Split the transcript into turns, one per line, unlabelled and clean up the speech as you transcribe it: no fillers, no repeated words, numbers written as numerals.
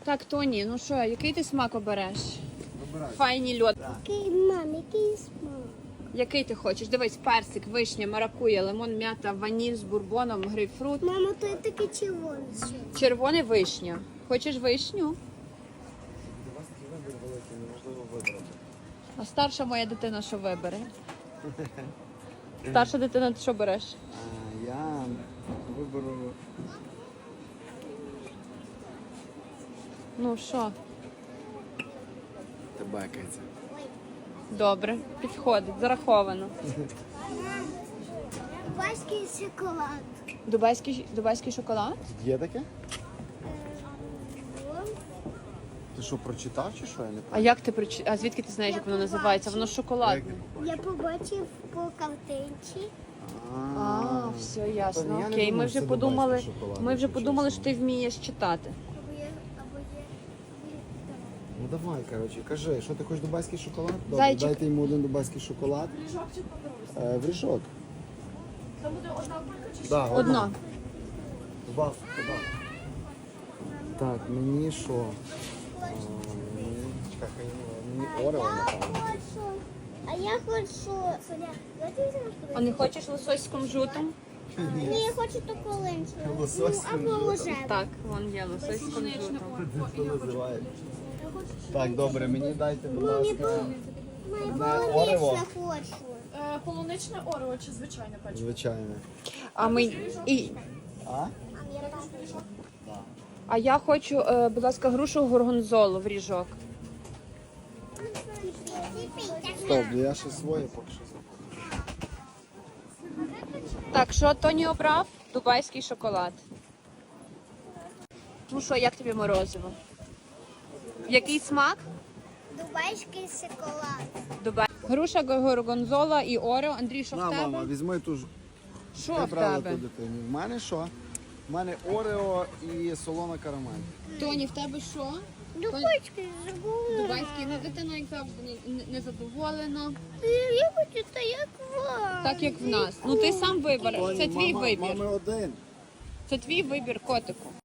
Так, Тоні, ну що, який ти смак обереш?
Вибирай.
Файні льод.
Який смак?
Який ти хочеш? Дивись, персик, вишня, маракуя, лимон, м'ята, ваніль з бурбоном, грейпфрут.
Мама, то є таке червоне.
Червоний вишня. Хочеш вишню?
У вас такий вибір великий, неможливо вибрати.
А старша моя дитина що вибере? Старша дитина, ти що береш?
Я виберу
Ну що,
тебекається.
добре, підходить, зараховано.
Дубайський шоколад.
Дубайський шоколад?
Є таке? Ти що, прочитав чи що? Я не
А як ти А звідки ти знаєш, як воно називається? Воно шоколадне.
Я побачив по картинці.
А, все ясно.
Я не
Окей,
думав,
ми вже
це
подумали.
дубайський шоколад,
Ми вже
якщо
подумали,
чесно.
що ти вмієш читати.
Або є.
Ну давай, коротше, кажи, що ти хочеш дубайський шоколад? Добре,
Зайчик.
дайте йому один дубайський шоколад. В ріжок.
Це буде одна кулька чи
Да,
Одно.
Два. Так, мені що? Чекай, мені Орео, напевно.
А я хочу. Я тобі зараз
А не хочеш лосось з кунжутом?
Ні, я хочу таку ленчу.
Лосось з
Або ложе.
Так, вон є лосось з кунжутом.
Що називає? Так, добре, мені дайте, будь ласка,
Моя
Орео.
полунична хочу.
полуничне орео чи звичайне печиво?
звичайне.
А ми
А?
а я хочу, будь ласка, грушу горгонзолу в ріжок.
Стоп, я ще своє поки що забув.
Так, що Тоні обрав? Дубайський шоколад. Ну що, як тобі морозиво? Який смак?
Дубайський шоколад.
Дубай. Груша, горгонзола і орео. Андрій, що в
На, мама,
тебе?
візьми ту ж.
Що в
Неправда
тебе?
ту дитині. В мене що? В мене Орео і солона карамель.
Тоні, в тебе що?
Дубайський забула.
Дубайський, ну дитина, як завжди, не задоволена.
Я хочу так, як вам.
Так як в нас. Ну ти сам вибереш. Це твій вибір.
Мами один.
Це твій вибір, котику.